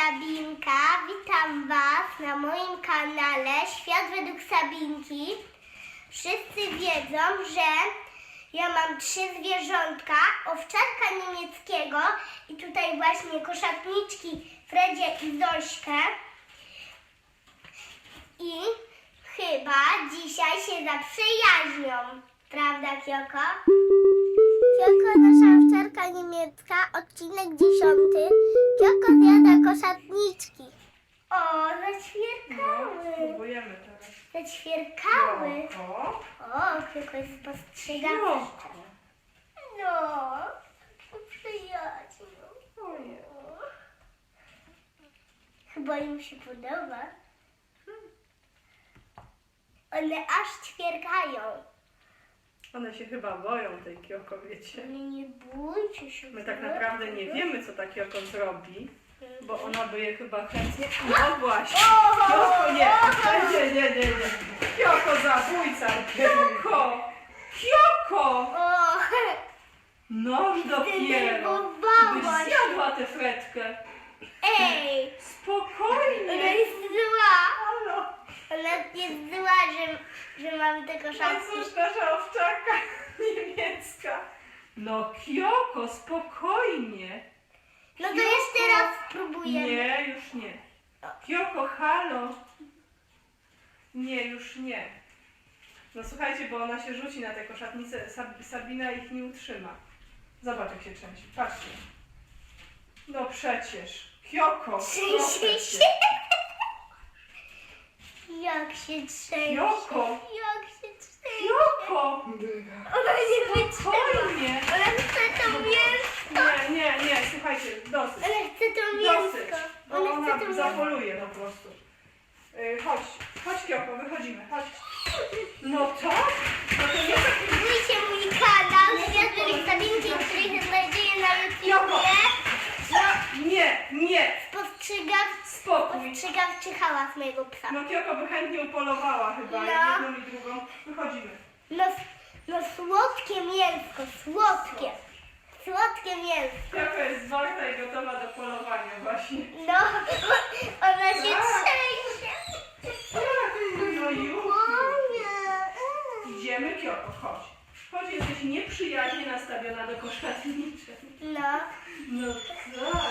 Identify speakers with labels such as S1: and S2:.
S1: Sabinka. Witam Was na moim kanale Świat według Sabinki. Wszyscy wiedzą, że ja mam 3 zwierzątka, owczarka niemieckiego i tutaj właśnie koszatniczki Fredzie i Zośkę. I chyba dzisiaj się zaprzyjaźnią. Prawda, Kioko? Kioko, nasza owczarka niemiecka, odcinek 10. Kioko zjada koszatniczki. O, zaćwierkały.
S2: Spróbujemy teraz.
S1: Zaćwierkały.
S2: Kioko.
S1: O, Kioko jest spostrzegawczy.
S2: Kioko.
S1: No, przyjaciół.
S2: Ojej.
S1: Chyba im się podoba. One aż ćwierkają.
S2: One się chyba boją tej Kioko, wiecie.
S1: Ale nie bójcie się.
S2: My tak naprawdę nie wiemy, co ta Kioko zrobi, bo ona by je chyba chętnie... No właśnie! Kioko, nie! Nie. Kioko, zabójca! Kioko! Kioko!
S1: O,
S2: Noż dopiero! Byś
S1: zdenerwowałaś.
S2: zjadła tę fretkę!
S1: Ej, ona
S2: Spokojnie!
S1: jest zła.
S2: Halo!
S1: Ona jest zła, że mam te
S2: No
S1: koszatki.
S2: cóż, nasza owczarka niemiecka. No Kioko, spokojnie.
S1: No to
S2: Kioko.
S1: jeszcze raz spróbujemy.
S2: Nie, już nie. Kioko, halo. Nie, już nie. No słuchajcie, bo ona się rzuci na te koszatnice. Sabina ich nie utrzyma. Zobacz, jak się trzęsie. Patrzcie. No przecież. Kioko.
S1: Trzęsie
S2: proszę
S1: się.
S2: cię.
S1: Jak się trzęsie.
S2: Kioko.
S1: Jak się trzęsie.
S2: Kioko.
S1: Ona nie wytrzyma.
S2: Spokojnie.
S1: Ona chce to mięsko.
S2: Nie, słuchajcie, dosyć.
S1: Ona chce to
S2: Dosyć,
S1: mięsko.
S2: bo
S1: Ona chce to
S2: ona
S1: mięsko.
S2: zapoluje po prostu. Chodź Kioko, wychodzimy, chodź. No to? No to nie tak...
S1: Subskrybujcie mój kanał Świat według Sabinki, który się znajduje na YouTubie.
S2: Nie, spokój.
S1: Spostrzegawczy hałas mojego psa.
S2: No Kioko by chętnie upolowała chyba,
S1: No.
S2: jedną i drugą. Wychodzimy.
S1: No słodkie mięsko, słodkie. Słodkie mięsko.
S2: Kioko jest zwarta i gotowa do polowania właśnie.
S1: No, ona się
S2: Tak.
S1: trzęsie.
S2: No już.
S1: Moja.
S2: Idziemy Kioko, chodź. Chodź, jesteś nieprzyjaźnie nastawiona do koszatniczek.
S1: No,
S2: No tak.